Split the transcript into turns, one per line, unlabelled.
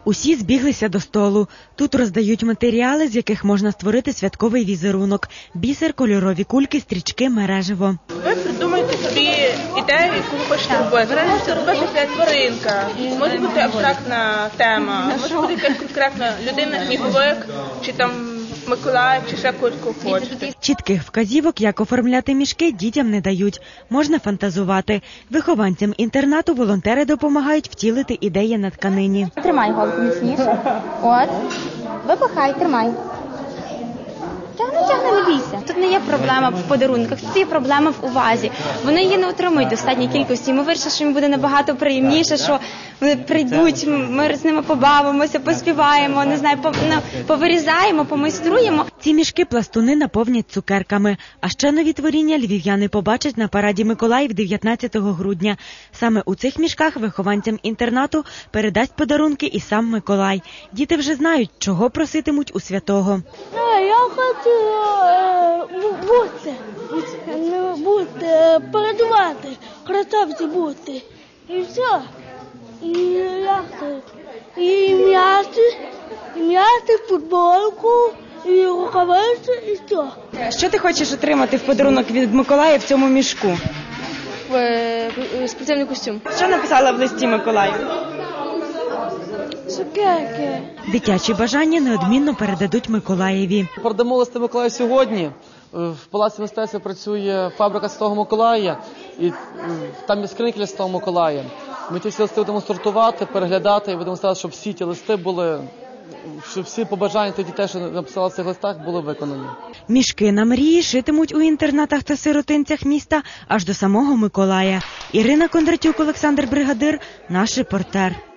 Усі збіглися до столу. Тут роздають матеріали, з яких можна створити святковий візерунок. Бісер, кольорові кульки, стрічки, мереживо.
Ви придумаєте собі ідею, яку ви хочете робити. Це може бути тваринка, може бути абстрактна тема, може бути якась конкретна людина, сніговик, чи там Миколай, чи ще кого хочете.
Чітких вказівок, як оформляти мішки, дітям не дають. Можна фантазувати. Вихованцям інтернату волонтери допомагають втілити ідеї на тканині.
Тримай голку міцніше. От. Випихай, тримай. Тягни, не бійся. Тут не є проблема в подарунках, тут є проблема в увазі. Вони її не отримують в достатній кількості. Ми вирішили, що їм буде набагато приємніше, що вони прийдуть, ми з ними побавимося, поспіваємо, не знаю, повирізаємо, помайструємо.
Ці мішки пластуни наповнять цукерками. А ще нові творіння львів'яни побачать на параді Миколаїв 19 грудня. Саме у цих мішках вихованцям інтернату передасть подарунки і сам Миколай. Діти вже знають, чого проситимуть у святого.
Я хочу передавати, красавці бути. І все. І м'яти, футболку, і рукавиці, і все.
Що ти хочеш отримати в подарунок від Миколая в цьому мішку?
Спеціальний костюм.
Що написала в листі Миколаю?
Цукерки.
Дитячі бажання неодмінно передадуть Миколаєві.
Передамо листи Миколаю сьогодні. В Палаці мистецтва працює фабрика Святого Миколая, і там є скриньки для Святого Миколая. Ми ті всі листи будемо сортувати, переглядати і будемо старатися, щоб всі ті листи були, щоб всі побажання тих дітей, що написали в цих листах, були виконані.
Мішки на мрії шитимуть у інтернатах та сиротинцях міста аж до самого Миколая. Ірина Кондратюк, Олександр Бригадир, наш репортер.